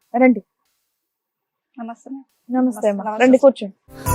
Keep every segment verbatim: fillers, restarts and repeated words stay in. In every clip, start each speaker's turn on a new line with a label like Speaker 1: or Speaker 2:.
Speaker 1: రండి.
Speaker 2: నమస్తే.
Speaker 1: నమస్తే అమ్మా,
Speaker 2: నమస్తే.
Speaker 1: రండి కూర్చోండి.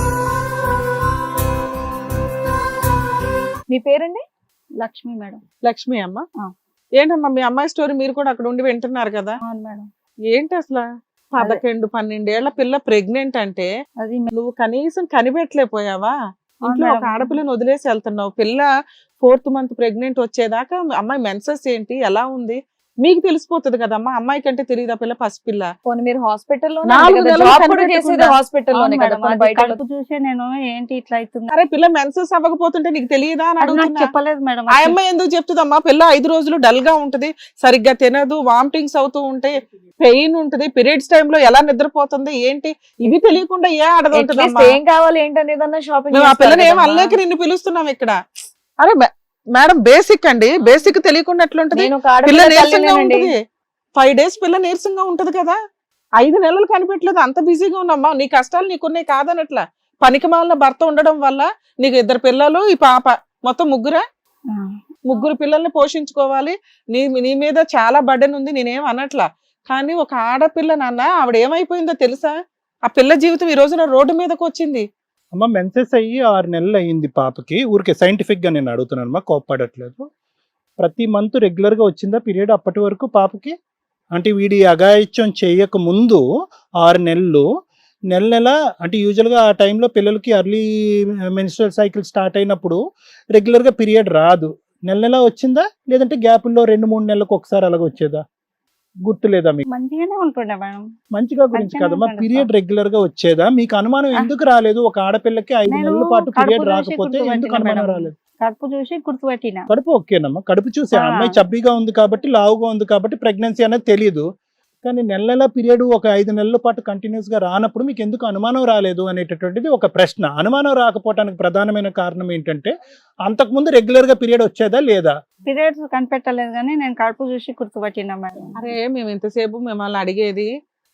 Speaker 1: మీ పేరండి?
Speaker 2: లక్ష్మి మేడం.
Speaker 3: లక్ష్మి అమ్మ.
Speaker 2: ఆ.
Speaker 3: ఏంటమ్మా మీ అమ్మాయి స్టోరీ మీరు కూడా అక్కడ ఉండి వింటున్నారు కదా?
Speaker 2: అవును మేడం.
Speaker 3: ఏంటి అసలు పదకొండు పన్నెండేళ్ల పిల్ల ప్రెగ్నెంట్ అంటే
Speaker 2: అది
Speaker 3: నువ్వు కనీసం కనిపెట్టలేకపోయావా? ఇంట్లో
Speaker 2: మేడం.
Speaker 3: ఒక ఆడపిల్లని వదిలేసి వెళ్తున్నావు. పిల్ల ఫోర్త్ మంత్ ప్రెగ్నెంట్ వచ్చేదాకా అమ్మాయి మెన్సెస్ ఏంటి ఎలా ఉంది మీకు తెలిసిపోతుంది కదమ్మా. అమ్మాయి కంటే తెలియదా పిల్ల పసిపిల్ల?
Speaker 1: పోనీ మీరు హాస్పిటల్లో
Speaker 3: నాలుగు నెలలు
Speaker 1: జాబ్ కూడా
Speaker 3: కనిపెట్టకుండా.
Speaker 1: చేసేది హాస్పిటల్లోనే కదా, పోనీ బయట
Speaker 2: కడుపు చూసే నేను ఏంటి ఇట్లా అవుతుంది
Speaker 3: అరే పిల్ల మెన్సెస్ అవ్వకపోతుంటే నీకు తెలియదా అని
Speaker 2: అది నాకు
Speaker 3: అడుగుతున్నా.
Speaker 2: చెప్పలేదు మేడం.
Speaker 3: ఆ అమ్మాయి ఎందుకు చెప్తుందమ్మా? పిల్ల ఐదు రోజులు డల్ గా ఉంటది, సరిగ్గా తినదు, వామిటింగ్స్ అవుతూ ఉంటాయి, పెయిన్ ఉంటది, పీరియడ్స్ టైమ్ లో ఎలా నిద్రపోతుంది ఏంటి ఇవి తెలియకుండా ఏ ఆడది
Speaker 1: At least
Speaker 3: ఉంటదమ్మా?
Speaker 1: ఏం కావాలి ఏంటనేదన్నా షాపింగ్
Speaker 3: మేము ఆ పిల్లని ఏం అల్లేక నిన్ను పిలుస్తున్నాం ఇక్కడ. అరే మే- మేడం బేసిక్ అండి, బేసిక్ తెలియకుండా ఎట్లుంటది?
Speaker 1: నేను ఒక
Speaker 3: పిల్ల
Speaker 1: ఆడపిల్ల
Speaker 3: నీరసంగా
Speaker 1: తల్లినేనండి.
Speaker 3: ఉంటది, ఫైవ్ డేస్ పిల్ల నీరసంగా ఉంటది కదా. ఐదు నెలలు కనిపెట్టలేదు, అంత బిజీగా ఉన్నామ్మా. నీ కష్టాలు నీకున్నాయి కాదనట్లా. పనికి మాలిన భర్త ఉండడం వల్ల నీకు ఇద్దరు పిల్లలు, ఈ పాప, మొత్తం ముగ్గురా?
Speaker 2: ఆ.
Speaker 3: ముగ్గురు పిల్లల్ని పోషించుకోవాలి. నీ నీ మీద చాలా బర్డెన్ ఉంది, నేనేం అనట్లా. కానీ ఒక ఆడపిల్ల నాన్న ఆవిడ ఏమైపోయిందో తెలుసా? ఆ పిల్ల జీవితం ఈ రోజున రోడ్డు మీదకి వచ్చింది.
Speaker 4: అమ్మ మెన్సెస్ అయ్యి ఆరు నెలలు అయ్యింది పాపకి. ఊరికే సైంటిఫిక్గా నేను అడుగుతున్నాను అమ్మా, కోప్పడట్లేదు. ప్రతి మంత్ రెగ్యులర్గా వచ్చిందా పీరియడ్ అప్పటి వరకు పాపకి? అంటే వీడి అఘాయిత్యం చేయక ముందు ఆరు నెలలు నెల నెల అంటే యూజువల్గా ఆ టైంలో పిల్లలకి అర్లీ మెన్స్ట్రువల్ సైకిల్ స్టార్ట్ అయినప్పుడు రెగ్యులర్గా పీరియడ్ రాదు. నెల నెల వచ్చిందా లేదంటే గ్యాపుల్లో రెండు మూడు నెలలకు ఒకసారి అలాగ వచ్చేదా? గుర్తులేదా మీకు?
Speaker 2: మంచిగానే ఉంటుండే మేడం.
Speaker 4: మంచిగా గురించి
Speaker 2: మంచిగానే
Speaker 4: కదమ్మా,
Speaker 2: ఉంటుంది
Speaker 4: పీరియడ్ రెగ్యులర్ గా వచ్చేదా? మీకు అనుమానం
Speaker 2: ఆ.
Speaker 4: ఎందుకు రాలేదు? ఒక ఆడపిల్లకి ఐదు
Speaker 2: నేను
Speaker 4: నెలల పాటు
Speaker 2: కడుపు
Speaker 4: పీరియడ్
Speaker 2: చూసి
Speaker 4: రాకపోతే ఎందుకు
Speaker 2: గుర్తుపట్టిన
Speaker 4: అనుమానం
Speaker 2: మేడం.
Speaker 4: రాలేదు?
Speaker 2: కడుపు చూసి గుర్తుపట్టిన.
Speaker 4: కడుపు ఓకేనమ్మా, కడుపు చూసి ఆ
Speaker 2: ఆ.
Speaker 4: అమ్మాయి చబ్బీగా ఉంది కాబట్టి, లావుగా ఉంది కాబట్టి ప్రెగ్నెన్సీ అనేది తెలియదు. కానీ నెల నెల పీరియడ్ ఒక ఐదు నెలల పాటు కంటిన్యూస్ గా రానప్పుడు మీకు ఎందుకు అనుమానం రాలేదు అనేటటువంటిది ఒక ప్రశ్న. అనుమానం రాకపోవడానికి ప్రధానమైన కారణం ఏంటంటే అంతకుముందు రెగ్యులర్ గా పీరియడ్ వచ్చేదా లేదా?
Speaker 2: పీరియడ్స్ కనిపెట్టలేదు కానీ నేను కడుపు చూసి గుర్తుపట్టిన మేడం.
Speaker 3: అరే మేము ఇంతసేపు మిమ్మల్ని అడిగేది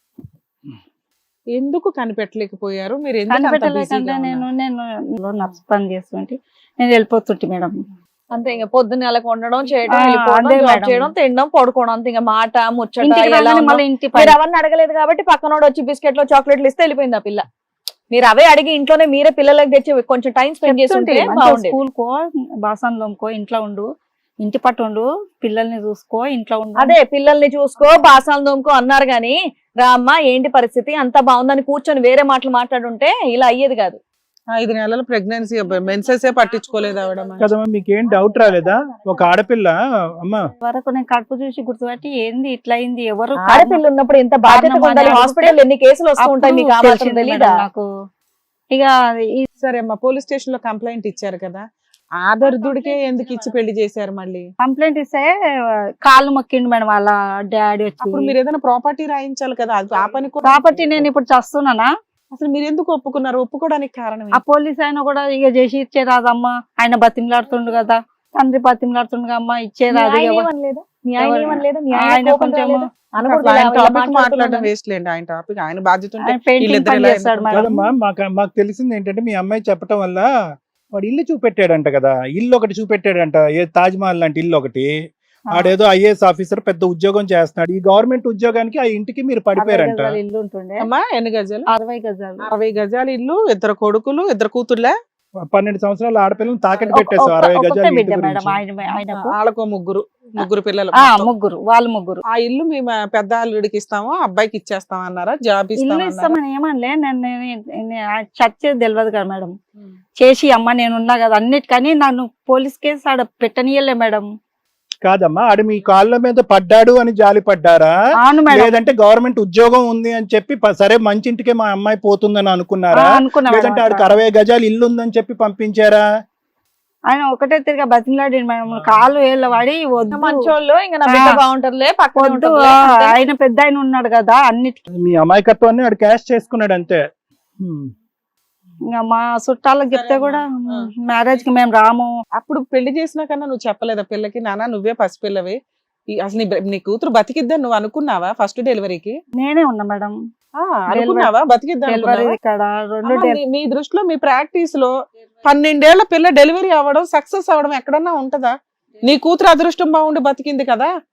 Speaker 3: ఎందుకు కనిపెట్టలేకపోయారు, మీరు ఎందుకు అంత
Speaker 2: కనిపెట్టలేకంటే
Speaker 3: బిజీగా
Speaker 2: నేను
Speaker 3: ఉన్నారు?
Speaker 2: నేను నర్స్ పని చేస్తుంటే నేను వెళ్ళిపోతుంటే మేడం.
Speaker 1: అంతే, ఇంకా పొద్దున్న నెలకు వండడం చేయడం,
Speaker 2: ఆ,
Speaker 1: వెళ్ళిపోవడం,
Speaker 2: అదే
Speaker 1: జాబ్
Speaker 2: మేడం.
Speaker 1: చేయడం, తినడం, పడుకోవడం, అంతే. ఇంకా మాట ముచ్చట
Speaker 2: ఇంటికి
Speaker 1: ఎలా
Speaker 2: రాగానే
Speaker 1: ఉన్నావు?
Speaker 2: మళ్ళీ ఇంటి
Speaker 1: మీరు
Speaker 2: పని.
Speaker 1: అవన్నీ అడగలేదు కాబట్టి పక్కనోడు వచ్చి బిస్కెట్లు చాక్లెట్లు ఇస్తే వెళ్ళిపోయింది ఆ పిల్ల. మీరు అవే అడిగి ఇంట్లోనే మీరే పిల్లలకి తెచ్చి కొంచెం టైం స్పెండ్ చేస్తుంటే బాగుండేది.
Speaker 2: స్కూల్ కో బాసన్ లోకో ఇంట్లో ఉండు, ఇంటి పట్టు ఉండు, పిల్లల్ని చూసుకో, ఇంట్లో ఉండు.
Speaker 1: అదే పిల్లల్ని చూసుకో, బాసాలు దోముకో అన్నారు గాని, రామ్మ ఏంటి పరిస్థితి అంత బాగుందని కూర్చొని వేరే మాటలు మాట్లాడుంటే ఇలా అయ్యేది కాదు.
Speaker 3: ఐదు నెలల ప్రెగ్నెన్సీ మెన్సెస్ పట్టించుకోలేదు ఆవిడ.
Speaker 4: కదమ్మా, మీకేం డౌట్ రాలేదా? ఒక ఆడపిల్ల అమ్మా
Speaker 2: వరకు నేను కడుపు చూసి గుర్తుపట్టి ఏంది ఇట్లా అయింది, ఎవరు
Speaker 1: ఆడపిల్ల ఉన్నప్పుడు ఎంత బాధ్యతగా
Speaker 2: కారణం
Speaker 1: ఉండాలి.
Speaker 2: అని
Speaker 1: హాస్పిటల్ ఎన్ని కేసులు వస్తూ ఉంటాయి మీకు ఆ
Speaker 2: అప్పుడు
Speaker 1: మాత్రం
Speaker 2: తెలిసింది
Speaker 1: తెలీదా?
Speaker 2: మేడం నాకు. ఇక ఈ
Speaker 3: సరే అమ్మా, పోలీస్ స్టేషన్ లో కంప్లైంట్ ఇచ్చారు కదా, ఆదర్దుడికే ఎందుకు ఇచ్చి పెళ్లి చేశారు మళ్ళీ?
Speaker 2: కంప్లైంట్ ఇస్తే కాళ్ళు మొక్కిండు మేడం వాళ్ళ డాడీ
Speaker 3: అప్పుడు
Speaker 2: వచ్చి.
Speaker 3: మీరు ఏదైనా ప్రాపర్టీ రాయించాలి కదా, అది ఆ పని కూడా
Speaker 2: కాబట్టి నేను ఇప్పుడు చస్తున్నానా?
Speaker 3: అసలు మీరు ఎందుకు ఒప్పుకున్నారు? ఒప్పుకోవడానికి కారణం
Speaker 2: ఆ
Speaker 3: ఏంటి?
Speaker 2: పోలీస్ ఆయన కూడా ఇక చేసి ఇచ్చే రాదమ్మా, ఆయన బతిమలాడుతుండు కదా, తండ్రి బతిమలాడుతుండు అమ్మా, ఇచ్చే
Speaker 1: మీ
Speaker 2: రాదు.
Speaker 1: ఆయన
Speaker 2: ఎవరు-
Speaker 1: ఏమనలేదా? మీ ఆయన
Speaker 2: ఎవరు-
Speaker 1: ఏమనలేదా? మీ ఆయన
Speaker 2: ఆయన
Speaker 1: కోపం
Speaker 2: కొంచెం
Speaker 1: రాలేదా? అనకూడదు,
Speaker 3: అసలు ఆయన
Speaker 1: ఇలా- ఇలా
Speaker 3: టాపిక్ మాట్లాడడం
Speaker 1: మాట్లాడుతున్నాను.
Speaker 3: వేస్ట్ లేండి. ఆయన టాపిక్, ఆయన బాధ్యత ఉంటే
Speaker 2: ఆయన పెయింటింగ్
Speaker 3: వీళ్ళిద్దరు
Speaker 2: పని
Speaker 3: ఎలా
Speaker 2: చేస్తాడు మేడం.
Speaker 4: కదమ్మా, మాకు మాకు తెలిసింది ఏంటంటే మీ అమ్మాయి చెప్పటం వల్ల వాడు ఇల్లు చూపెట్టాడంట కదా, ఇల్లు ఒకటి చూపెట్టాడంట, ఏ తాజ్ మహల్ లాంటి ఇల్లు ఒకటి.
Speaker 2: ఆ.
Speaker 4: ఆడేదో ఐఏఎస్ ఆఫీసర్ పెద్ద ఉద్యోగం చేస్తున్నాడు. ఈ గవర్నమెంట్ ఉద్యోగానికి ఆ ఇంటికి మీరు
Speaker 2: అరవై
Speaker 4: పడిపోయారంట.
Speaker 2: గజాల ఇల్లు ఉంటుండే.
Speaker 3: అమ్మా ఎన్ని గజాలు?
Speaker 2: అరవై గజాలు.
Speaker 3: అరవై గజాల ఇల్లు, ఇద్దరు కొడుకులు, ఇద్దరు కూతుర్లే,
Speaker 4: పన్నెండు సంవత్సరాల ఆడపిల్లని తాకట్టు
Speaker 2: ఒక-
Speaker 4: పెట్టేసావు
Speaker 2: ఒక-
Speaker 4: అరవై
Speaker 2: ఒకటే
Speaker 4: గజాల
Speaker 2: బిడ్డ
Speaker 4: ఇంటి
Speaker 2: మేడం
Speaker 4: గురించి.
Speaker 2: ఆయన ఆయనకు.
Speaker 3: వాళ్ళకో ముగ్గురు ముగ్గురు పిల్లలు
Speaker 2: ఆ
Speaker 3: మొత్తం.
Speaker 2: ముగ్గురు, వాళ్ళు ముగ్గురు.
Speaker 3: ఆ ఇల్లు మేము పెద్ద అల్లుడికి ఇస్తాము, అబ్బాయికి ఇచ్చేస్తాం అన్నారా? జాబ్
Speaker 2: ఇల్లు
Speaker 3: ఇస్తామన్నారా?
Speaker 2: ఇస్తామని ఏమనలే, నేను చచ్చేది తెలియదు కదా మేడం. చేసి అమ్మ నేను ఉన్నా కదా అన్నిటికని నన్ను పోలీస్ కేసు ఆడ పెట్టనీయలే మేడం.
Speaker 4: కాదమ్మా, ఆడు మీ కాళ్ళ మీద పడ్డాడు అని జాలి పడ్డారా?
Speaker 2: అవును మేడం.
Speaker 4: లేదంటే గవర్నమెంట్ ఉద్యోగం ఉంది అని చెప్పి ప- సరే మంచి ఇంటికే మా అమ్మాయి పోతుందని
Speaker 2: ఆ,
Speaker 4: అనుకున్నారా?
Speaker 2: అనుకున్నా మేడం
Speaker 4: లేదంటే ఆడికి
Speaker 2: అట్లా.
Speaker 4: అరవై గజాలు ఇల్లు ఉందని చెప్పి పంపించారా?
Speaker 2: ఆయన ఒకటే తిరిగా బతిమలాడి మేడం, కాలు వేళ్ళ వాడి వద్దు
Speaker 1: మంచోళ్ళు, ఇంకా నా బిడ్డ
Speaker 2: ఆ.
Speaker 1: బాగుంటారులే, పక్కనే
Speaker 2: వద్దు,
Speaker 1: ఉంటారులే,
Speaker 2: ఆ,
Speaker 1: అంతే.
Speaker 2: ఆయన పెద్ద ఆయన ఉన్నాడు కదా అన్నిటికీ.
Speaker 4: మీ అమాయకత్వాన్ని ఆడు క్యాష్ చేసుకున్నాడు అంతే. హ్మ్.
Speaker 2: ఇంకా మా చుట్టాలకు చెప్తే కూడా మ్యారేజ్ కి మేము రాము.
Speaker 3: అప్పుడు పెళ్లి చేసినా కన్నా నువ్వు చెప్పలేదా పిల్లకి, నాన్న నువ్వే పసిపిల్లవి, ఈ- అసలు నీ బ- నీ కూతురు బతికిద్దని నువ్వు అనుకున్నావా ఫస్ట్ డెలివరీకి?
Speaker 2: నేనే ఉన్నా మేడం
Speaker 3: ఆ, అనుకున్నావా బతికిద్దాం
Speaker 2: డెలివరీ ఇక్కడ రెండు డెలి-
Speaker 3: మీ దృష్టిలో మీ ప్రాక్టీస్ లో పన్నెండేళ్ల పిల్ల డెలివరీ అవ్వడం సక్సెస్ అవ్వడం ఎక్కడన్నా ఉంటదా? నీ కూతురు అదృష్టం బాగుండి బతికింది కదా,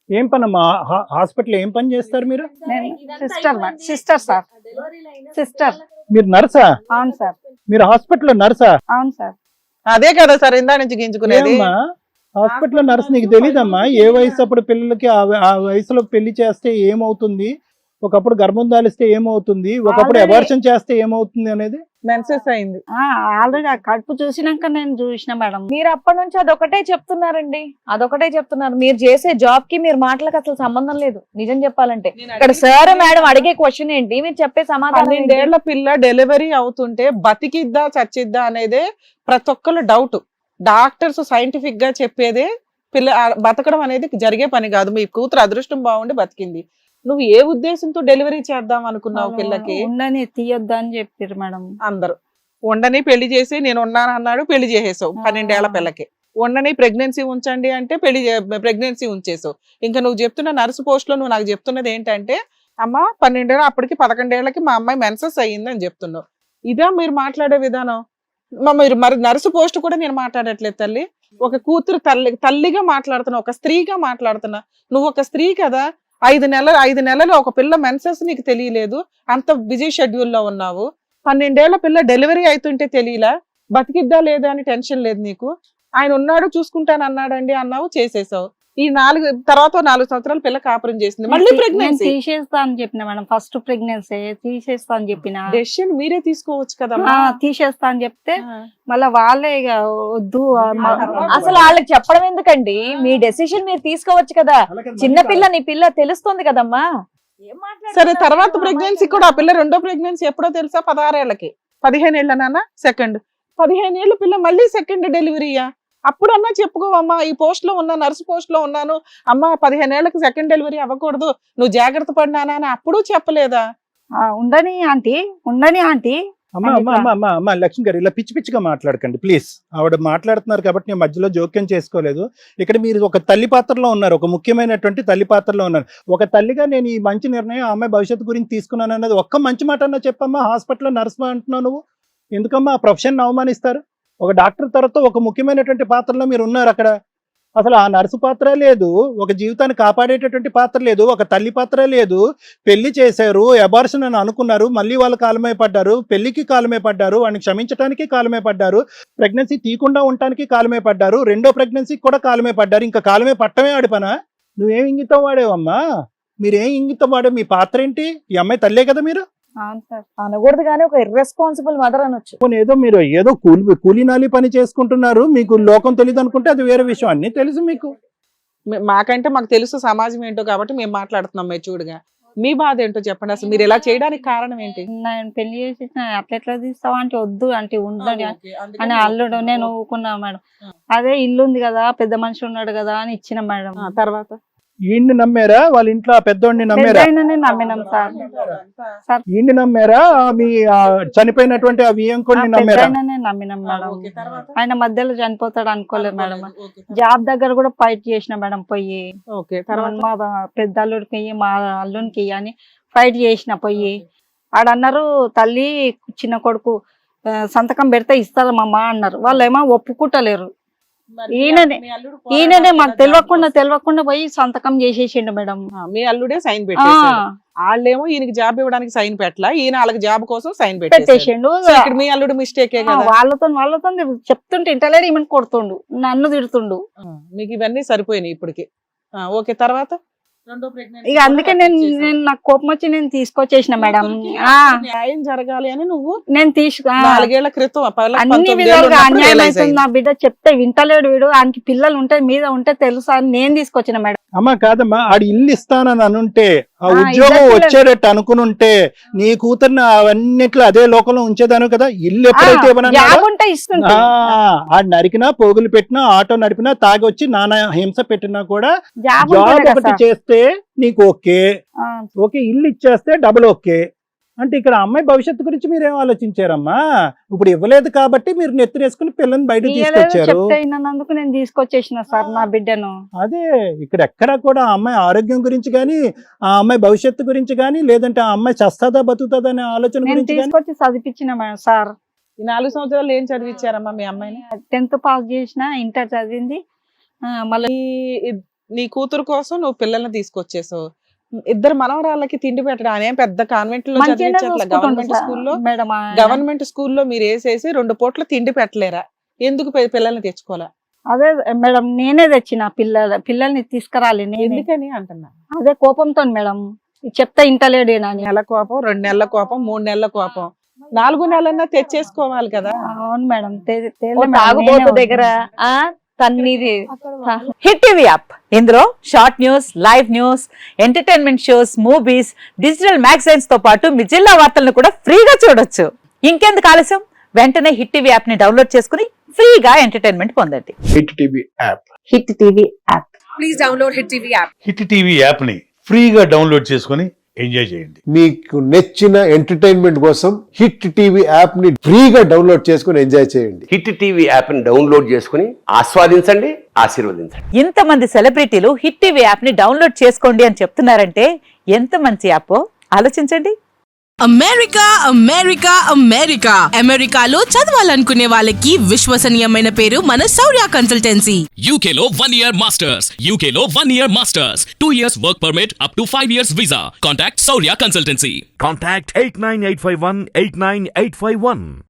Speaker 4: ఏం పని అమ్మా హాస్పిటల్ ఏం పని చేస్తారు మీరు?
Speaker 2: నేను sister madam, sister sir, sister.
Speaker 4: మీరు నర్సా?
Speaker 2: అవును సార్,
Speaker 4: మీరు హాస్పిటల్లో నర్సా?
Speaker 2: అవును సార్.
Speaker 3: అదే కదా సార్ ఇందా నుంచి గింజుకునేది.
Speaker 4: ఏమ్మా హాస్పిటల్లో నర్స్ నీకు తెలీదమ్మా? ఏ వయసు అప్పుడు పిల్లలకి ఆ వ- ఆ వయసులో పెళ్లి చేస్తే ఏమవుతుంది, ఒకప్పుడు గర్భం దాలిస్తే ఏమవుతుంది, ఒకప్పుడు
Speaker 2: Already-
Speaker 4: అబార్షన్ చేస్తే ఏమవుతుంది అనేది.
Speaker 3: మెన్సెస్ అయింది.
Speaker 2: ఆల్రెడీ ఆ కడుపు చూసినాక నేను చూసిన మేడం.
Speaker 1: మీరు అప్పటి నుంచి అదొకటే చెప్తున్నారండి, అదొకటే చెప్తున్నారు. మీరు చేసే జాబ్ కి మీరు మాటలకు అసలు సంబంధం లేదు నిజం చెప్పాలంటే. ఇక్కడ సార్ మేడం అడిగే క్వశ్చన్ ఏంటి, మీరు చెప్పే సమాధానం ఏంటి?
Speaker 3: పన్నెండేళ్ల పిల్ల డెలివరీ అవుతుంటే బతికిద్దా చచ్చిద్దా అనేదే ప్రతి ఒక్కరు డౌట్. డాక్టర్స్ సైంటిఫిక్ గా చెప్పేదే పిల్ల ఆ బతకడం అనేది జరిగే పని కాదు. మీ కూతురు అదృష్టం బాగుండి బతికింది. నువ్వు ఏ ఉద్దేశంతో డెలివరీ చేద్దాం అనుకున్నావు పిల్లకి?
Speaker 2: ఉండని తీయొద్దు అని చెప్పారు మేడం.
Speaker 3: అందరూ ఉండని పెళ్లి చేసి నేను ఉన్నాను అన్నాడు, పెళ్లి చేసేసావు పన్నెండేళ్ల పిల్లకి. ఉండని ప్రెగ్నెన్సీ ఉంచండి అంటే పెళ్లి ప్రెగ్నెన్సీ ఉంచేసావు. ఇంకా నువ్వు చెప్తున్న నర్సు పోస్ట్ లో నువ్వు నాకు చెప్తున్నది ఏంటంటే అమ్మ పన్నెండేళ్ళ అప్పటికి పదకొండేళ్లకి మా అమ్మాయి మెన్సెస్ అయ్యింది అని చెప్తున్నావు. ఇదా మీరు మాట్లాడే విధానం? మా మీరు మరి నర్సు పోస్ట్ కూడా నేను మాట్లాడట్లేదు తల్లి. ఒక కూతురు తల్లి తల్లిగా మాట్లాడుతున్నా, ఒక స్త్రీగా మాట్లాడుతున్నా. నువ్వు ఒక స్త్రీ కదా, ఐదు నెలలు ఐదు నెలలు ఒక పిల్ల మెన్సెస్ నీకు తెలియలేదు, అంత బిజీ షెడ్యూల్లో ఉన్నావు. పన్నెండేళ్ల పిల్ల డెలివరీ అవుతుంటే తెలియలా, బతికిద్దా లేదా అని టెన్షన్ లేదు నీకు. ఆయన ఉన్నాడు చూసుకుంటాను అన్నాడండి అన్నావు, చేసేసావు. ఈ నాలుగు తర్వాత నాలుగు సంవత్సరాల పిల్ల కాపురం చేసింది, మళ్ళీ
Speaker 2: నేను
Speaker 3: ప్రెగ్నెన్సీ.
Speaker 2: తీసేస్తా అని చెప్పిన మేడం, ఫస్ట్ ప్రెగ్నెన్సీ తీసేస్తా అని చెప్పిన.
Speaker 3: డెసిషన్ మీరే తీసుకోవచ్చు కదా.
Speaker 2: ఆ, తీసేస్తా అని చెప్తే మళ్ళా వాళ్ళే ఇక వద్దు ఆ, మా-
Speaker 1: అసలు వాళ్ళకి చెప్పడం ఎందుకండి, మీ డెసిషన్ మీరు తీసుకోవచ్చు కదా. చిన్న పిల్ల నీ పిల్ల తెలుస్తుంది కదమ్మా. ఏం మాట్లాడుతున్నారు?
Speaker 3: సరే తర్వాత ప్రెగ్నెన్సీ కూడా ఆ పిల్ల రెండో ప్రెగ్నెన్సీ ఎప్పుడో తెలుసా? పదహారేళ్లకి. పదిహేను ఏళ్ళ నాన్న సెకండ్ పదిహేను ఏళ్ళ పిల్ల మళ్ళీ సెకండ్ డెలివరీయా? అప్పుడన్నా చెప్పుకోవమ్మా, ఈ పోస్ట్ లో ఉన్నా, నర్సు పోస్ట్ లో ఉన్నాను అమ్మా, పదిహేను ఏళ్ళకి సెకండ్ డెలివరీ అవ్వకూడదు, నువ్వు జాగ్రత్త పడినానా అని అప్పుడు చెప్పలేదా?
Speaker 2: ఆ, ఉండని ఆంటీ, ఉండని ఆంటీ.
Speaker 4: అమ్మా అమ్మా అమ్మా అమ్మా అమ్మా లక్ష్మి గారు ఇలా పిచ్చి పిచ్చిగా మాట్లాడకండి ప్లీజ్. ఆవిడ మాట్లాడుతున్నారు కాబట్టి నేను మధ్యలో జోక్యం చేసుకోలేదు. ఇక్కడ మీరు ఒక తల్లి పాత్రలో ఉన్నారు, ఒక ముఖ్యమైనటువంటి తల్లి పాత్రలో ఉన్నారు. ఒక తల్లిగా నేను ఈ మంచి నిర్ణయం అమ్మాయి భవిష్యత్తు గురించి తీసుకున్నాను అన్నది ఒక్క మంచి మాట అన్నా చెప్పమ్మా. హాస్పిటల్లో నర్స్ అంటున్నావు నువ్వు, ఎందుకమ్మా ఆ ప్రొఫెషన్ అవమానిస్తారు? ఒక డాక్టర్ తర్వాత ఒక ముఖ్యమైనటువంటి పాత్రలో మీరు ఉన్నారు అక్కడ. అసలు ఆ నర్సు పాత్ర లేదు, ఒక జీవితాన్ని కాపాడేటటువంటి పాత్ర లేదు, ఒక తల్లి పాత్ర లేదు. పెళ్లి చేశారు, అబార్షన్ అని అనుకున్నారు, మళ్ళీ వాళ్ళు కాలమే పడ్డారు, పెళ్లికి కాలమే పడ్డారు, వాడిని క్షమించడానికి కాలమే పడ్డారు, ప్రెగ్నెన్సీ తీయకుండా ఉండటానికి కాలమే పడ్డారు, రెండో ప్రెగ్నెన్సీకి కూడా కాలమే పడ్డారు. ఇంకా కాలమే పట్టమే ఆడి పనా? నువ్వేం ఇంగితం వాడేవమ్మా? మీరేం ఇంగితం వాడే? మీ పాత్ర ఏంటి? ఈ అమ్మాయి తల్లే కదా మీరు.
Speaker 2: అవును సార్.
Speaker 1: అనకూడదు కానీ ఒక ఇర్రెస్పాన్సిబుల్ మదర్ అనొచ్చు.
Speaker 4: పోనీ ఏదో మీరు ఏదో కూలి కూలీనాలి పని చేసుకుంటున్నారు, మీకు లోకం తెలియదు అనుకుంటే అది వేరే విషయం. అన్ని తెలుసు మీకు.
Speaker 3: మే- మాకంటే మాకు తెలుసు సమాజం ఏంటో కాబట్టి మేము మాట్లాడుతున్నాం. మెచ్యూర్డ్గా మీ బాధ ఏంటో చెప్పండి. అసలు మీరు ఇలా చేయడానికి కారణం ఏంటి?
Speaker 2: నేను పెళ్లి చేసి అట్లా ఎట్లా తీస్తావా అంటే వద్దు అంటే ఉండని అని అల్లుడు. నేను ఊకున్నా మేడం. అదే ఇల్లు ఉంది కదా, పెద్ద మనిషి ఉన్నాడు కదా అని ఇచ్చిన మేడం.
Speaker 3: ఆ, తర్వాత
Speaker 4: ఈయన్ని నమ్మారా? వాళ్ళ ఇంట్లో ఆ పెద్దోడిని నమ్మారా?
Speaker 2: పెద్దయిననే నమ్మినాం సార్. సార్
Speaker 4: ఈయన్ని నమ్మారా? మీ ఆ చనిపోయినటువంటి ఆ వియంకుడిని నమ్మారా?
Speaker 2: పెద్దయిననే నమ్మినాం మేడం.
Speaker 3: ఓకే, తర్వాత?
Speaker 2: ఆయన మధ్యలో చనిపోతాడు అనుకోలేదు మేడం.
Speaker 3: ఓకే,
Speaker 2: జాబ్ దగ్గర కూడా ఫైట్ చేసిన మేడం పోయి.
Speaker 3: ఓకే, తర్వాత?
Speaker 2: మా బా- పెద్ద అల్లుడికి ఇయ్యి, మా అల్లునికి ఇయ్యి అని ఫైట్ చేసిన పోయి. ఆడన్నారు తల్లి చిన్న కొడుకు ఆ, సంతకం పెడితే ఇస్తారమ్మా అన్నారు. వాళ్ళు ఏమో ఒప్పుకుంటలేరు.
Speaker 3: మరి
Speaker 2: ఈయననే-
Speaker 3: మీ అల్లుడు
Speaker 2: ఈయననే
Speaker 3: పోరాడాలి
Speaker 2: మాకు
Speaker 3: కదా
Speaker 2: తెలియకుండా
Speaker 3: దానికోసం.
Speaker 2: తెలియకుండా పోయి సంతకం చేసేసిండు మేడం.
Speaker 3: ఆ, మీ అల్లుడే సైన్
Speaker 2: ఆ,
Speaker 3: పెట్టేశాడు. వాళ్ళేమో ఈయనకి జాబ్ ఇవ్వడానికి సైన్ పెట్టలా, ఈయన వాళ్ళకి జాబ్ కోసం సైన్ పెట్టేశాడు.
Speaker 2: పెట్టేసిండు.
Speaker 3: సో ఇక్కడ మీ అల్లుడు మిస్టేకే
Speaker 2: ఆ,
Speaker 3: కదా.
Speaker 2: వాళ్ళతో వాళ్ళతో చెప్తుంటే ఇంటలేడు, ఈమెను కొడుతుండు, నన్ను తిడుతుండు.
Speaker 3: ఆ, మీకు ఇవన్నీ సరిపోయినాయి ఇప్పటికి. ఆ, ఓకే, తర్వాత? రెండో pregnancy
Speaker 2: ఇక అందుకే
Speaker 3: కూడా
Speaker 2: నేను
Speaker 3: చేసావు.
Speaker 2: నేను నాకు కోపం వచ్చి నేను తీసుకొచ్చేసిన మేడం.
Speaker 3: కూతురికి
Speaker 2: ఆ,
Speaker 3: న్యాయం జరగాలి అని నువ్వు
Speaker 2: నేను తీసుకు ఆ,
Speaker 3: నాలుగేళ్ల క్రితం పిల్లకి
Speaker 2: అన్ని
Speaker 3: పంతొమ్మిది ఏళ్ళు
Speaker 2: విధాలుగా
Speaker 3: ఉన్నప్పుడు
Speaker 2: అన్యాయం
Speaker 3: realize
Speaker 2: అవుతుంది
Speaker 3: అయింది.
Speaker 2: నా బిడ్డ చెప్తే వింటలేడు వీడు, ఆయనకి పిల్లలు ఉంటే మీద ఉంటే తెలుసా అని నేను తీసుకొచ్చిన మేడం.
Speaker 4: అమ్మా కాదమ్మా, ఆడి ఇల్లు ఇస్తానని అనుంటే, ఆ
Speaker 2: ఆ,
Speaker 4: ఉద్యోగం
Speaker 2: ఇద్దరు
Speaker 4: వచ్చేటట్టు అనుకునుంటే నీ కూతుర్ని అవన్నిట్లో అదే లోకంలో ఉంచేదాను కదా. ఇల్లు ఎప్పుడైతే ఇవ్వనన్నాడో,
Speaker 2: జాబ్ ఉంటే ఇస్తుంటే
Speaker 4: ఆ, ఆడు నరికినా, పోగులు పెట్టినా, ఆటో నడిపినా, తాగి వచ్చి నానా హింస పెట్టినా కూడా
Speaker 2: జాబ్
Speaker 4: జాబ్
Speaker 2: ఉంటేనే కదా
Speaker 4: ఒకటి
Speaker 2: సార్.
Speaker 4: చేస్తే నీకు ఓకే,
Speaker 2: ఆ,
Speaker 4: ఓకే ఇల్లు ఇచ్చేస్తే డబుల్ ఓకే. అంటే ఇక్కడ అమ్మాయి భవిష్యత్తు గురించి మీరేం ఆలోచించారమ్మా? ఇప్పుడు ఇవ్వలేదు కాబట్టి మీరు నెత్తినేసుకుని పిల్లని బయట
Speaker 2: ఇయ్యలేదు
Speaker 4: తీసుకొచ్చారు.
Speaker 2: చెప్తే విన్నందుకు నేను తీసుకొచ్చేసిన సార్ నా బిడ్డను.
Speaker 4: అదే ఇక్కడ ఎక్కడా కూడా ఆ అమ్మాయి ఆరోగ్యం గురించి కానీ, ఆ అమ్మాయి భవిష్యత్తు గురించి కానీ, లేదంటే ఆ అమ్మాయి చస్తాదా బతుకుతుందా అనే ఆలోచన
Speaker 2: నేను
Speaker 4: గురించి కానీ.
Speaker 2: తీసుకొచ్చి చదివించిన మేడం సార్.
Speaker 3: ఈ నాలుగు సంవత్సరాలు ఏం చదివించారమ్మా మీ అమ్మాయిని?
Speaker 2: టెన్త్ పాస్ చేసిన, ఇంటర్ చదివింది. ఆ, మళ్ళీ
Speaker 3: ఈ- నీ కూతురు కోసం నువ్వు పిల్లల్ని తీసుకొచ్చేసావు. ఇద్దరు మనవరాళ్ళకి తిండి పెట్టడం అనేం పెద్ద కాన్వెంట్ లో
Speaker 2: మంచిగానే
Speaker 3: చదివించట్లే, గవర్నమెంట్
Speaker 2: చూసుకుంటాం
Speaker 3: స్కూల్లో
Speaker 2: సార్ మేడం ఆయన.
Speaker 3: గవర్నమెంట్ స్కూల్లో మీరు వేసేసి రెండు పూట్ల తిండి పెట్టలేరా? ఎందుకు పి- పిల్లల్ని తెచ్చుకోవాలా?
Speaker 2: అదే మేడం నేనే తెచ్చిన పిల్లల పిల్లల్ని తీసుకురాలి నేనే.
Speaker 3: ఎందుకని అంటున్నా.
Speaker 2: అదే కోపంతో మేడం చెప్తా ఇంటలేడేనని.
Speaker 3: నెల కోపం, రెండు నెలల కోపం, మూడు నెలల కోపం, నాలుగు నెలలన్నా తెచ్చేసుకోవాలి కదా.
Speaker 2: అవును మేడం తే-
Speaker 1: ఓ
Speaker 2: తేలే మేడం,
Speaker 1: తాగుబోతు
Speaker 2: నేనే
Speaker 1: దగ్గర ఆ తన్నిది
Speaker 5: హిట్ టీవీ యాప్ ఇందులో short news, live news, entertainment shows, movies, digital magazines తో పాటు మీ జిల్లా వార్తలను కూడా ఫ్రీగా చూడొచ్చు. ఇంకెందుకు ఆలస్యం, వెంటనే హిట్ టీవీ యాప్ ని డౌన్లోడ్ చేసుకుని ఫ్రీగా ఎంటర్టైన్మెంట్ పొందండి.
Speaker 6: Hit TV app.
Speaker 5: Hit TV app
Speaker 7: hit TV యాప్ని ఫ్రీగా డౌన్లోడ్ చేసుకొని ఎంజాయ్ చేయండి.
Speaker 6: మీకు నచ్చిన ఎంటర్టైన్మెంట్ కోసం హిట్ టీవీ యాప్ ని ఫ్రీగా డౌన్లోడ్ చేసుకుని ఎంజాయ్ చేయండి.
Speaker 8: హిట్ టీవీ యాప్ని డౌన్లోడ్ చేసుకుని ఆస్వాదించండి, ఆశీర్వదించండి.
Speaker 5: ఇంతమంది సెలబ్రిటీలు హిట్ టీవీ యాప్ ని డౌన్లోడ్ చేసుకోండి అని చెప్తున్నారంటే ఎంత మంచి యాప్ ఆలోచించండి.
Speaker 9: అమెరికా అమెరికా అమెరికా అమెరికాలో చదవాలనుకునే వాళ్ళకి విశ్వసనీయమైన పేరు మన శౌర్య కన్సల్టెన్సీ.
Speaker 10: U K లో one year masters, U K లో one year masters, two years work permit up to five years visa. Contact Saurya Consultancy.
Speaker 11: Contact eight nine eight five one eight nine eight five one.